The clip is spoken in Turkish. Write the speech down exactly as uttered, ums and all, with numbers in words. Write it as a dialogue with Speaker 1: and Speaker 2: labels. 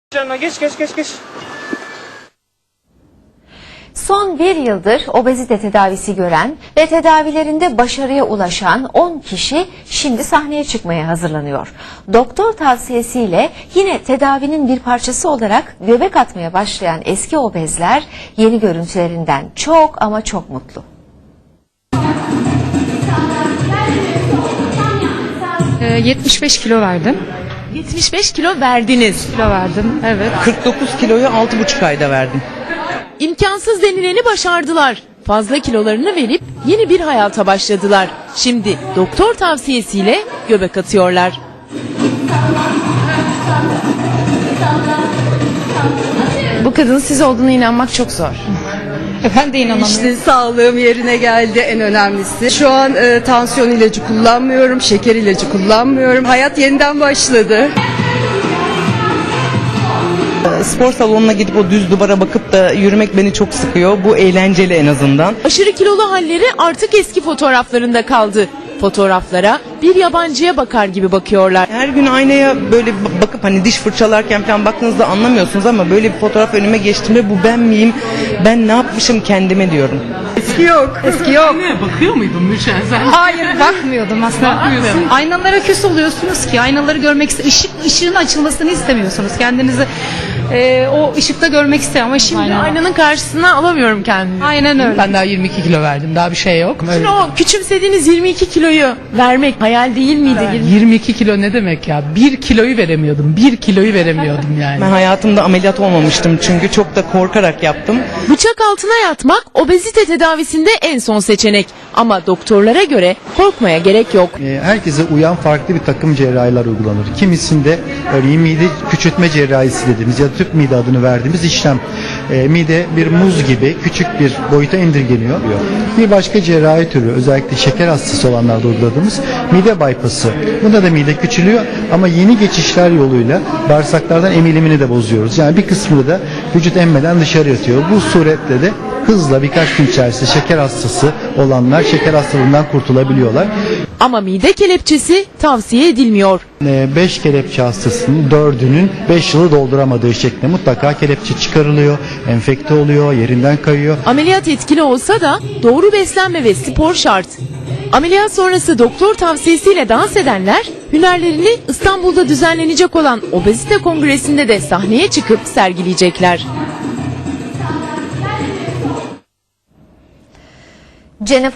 Speaker 1: Canına geç geç geç geç.
Speaker 2: Son bir yıldır obezite tedavisi gören ve tedavilerinde başarıya ulaşan on kişi şimdi sahneye çıkmaya hazırlanıyor. Doktor tavsiyesiyle yine tedavinin bir parçası olarak göbek atmaya başlayan eski obezler yeni görüntülerinden çok ama çok mutlu.
Speaker 3: yetmiş beş kilo verdim.
Speaker 4: yetmiş beş kilo verdiniz.
Speaker 3: Kilo verdim, evet.
Speaker 5: kırk dokuz kiloyu altı buçuk ayda verdim.
Speaker 4: İmkansız denileni başardılar. Fazla kilolarını verip yeni bir hayata başladılar. Şimdi doktor tavsiyesiyle göbek atıyorlar.
Speaker 3: Bu kadının siz olduğuna inanmak çok zor. Ben de inanamıyorum.
Speaker 6: İşte sağlığım yerine geldi, en önemlisi. Şu an e, tansiyon ilacı kullanmıyorum, şeker ilacı kullanmıyorum. Hayat yeniden başladı.
Speaker 5: Spor salonuna gidip o düz duvara bakıp da yürümek beni çok sıkıyor. Bu eğlenceli en azından.
Speaker 4: Aşırı kilolu halleri artık eski fotoğraflarında kaldı. Fotoğraflara bir yabancıya bakar gibi bakıyorlar.
Speaker 5: Her gün aynaya böyle b- bakıp hani diş fırçalarken falan baktığınızda anlamıyorsunuz ama böyle bir fotoğraf önüme geçtiğimde bu ben miyim? Ben ne yapmışım kendime diyorum.
Speaker 6: Eski yok, eski yok.
Speaker 7: Bakıyor muydun Mürşen sen?
Speaker 3: Hayır, bakmıyordum aslında. Aynalara küs oluyorsunuz ki, aynaları görmek iste- ışık ışığın açılmasını istemiyorsunuz. Kendinizi e, o ışıkta görmek istiyorum ama şimdi aynen,
Speaker 4: Aynanın karşısına alamıyorum kendimi.
Speaker 3: aynen öyle.
Speaker 7: Ben daha yirmi iki kilo verdim. Daha bir şey yok.
Speaker 4: Şimdi o küçümsediğiniz yirmi iki kiloyu vermek hayal değil miydi?
Speaker 7: yirmi iki kilo ne demek ya? bir kiloyu veremiyordum. bir kiloyu veremiyordum yani.
Speaker 5: Ben hayatımda ameliyat olmamıştım çünkü çok da korkarak yaptım.
Speaker 4: Bıçak altına yatmak obezite tedavisinde en son seçenek. Ama doktorlara göre korkmaya gerek yok.
Speaker 8: E, herkese uyan farklı bir takım cerrahiler uygulanır. Kimisinde örneğin mide küçültme cerrahisi dediğimiz ya da tüp mide adını verdiğimiz işlem. E, mide bir muz gibi küçük bir boyuta indirgeniyor. Bir başka cerrahi türü özellikle şeker hastası olanlarda uyguladığımız mide bypass'ı. Bunda da mide küçülüyor ama yeni geçişler yoluyla bağırsaklardan emilimini de bozuyoruz. Yani bir kısmını da vücut emmeden dışarı atıyor. Bu suretle de hızla birkaç gün içerisinde şeker hastası olanlar şeker hastalığından kurtulabiliyorlar.
Speaker 4: Ama mide kelepçesi tavsiye edilmiyor.
Speaker 8: beş kelepçe hastasının dördünün beş yılı dolduramadığı şeklinde mutlaka kelepçe çıkarılıyor, enfekte oluyor, yerinden kayıyor.
Speaker 4: Ameliyat etkili olsa da doğru beslenme ve spor şart. Ameliyat sonrası doktor tavsiyesiyle dans edenler hünerlerini İstanbul'da düzenlenecek olan obezite kongresinde de sahneye çıkıp sergileyecekler.
Speaker 2: Jennifer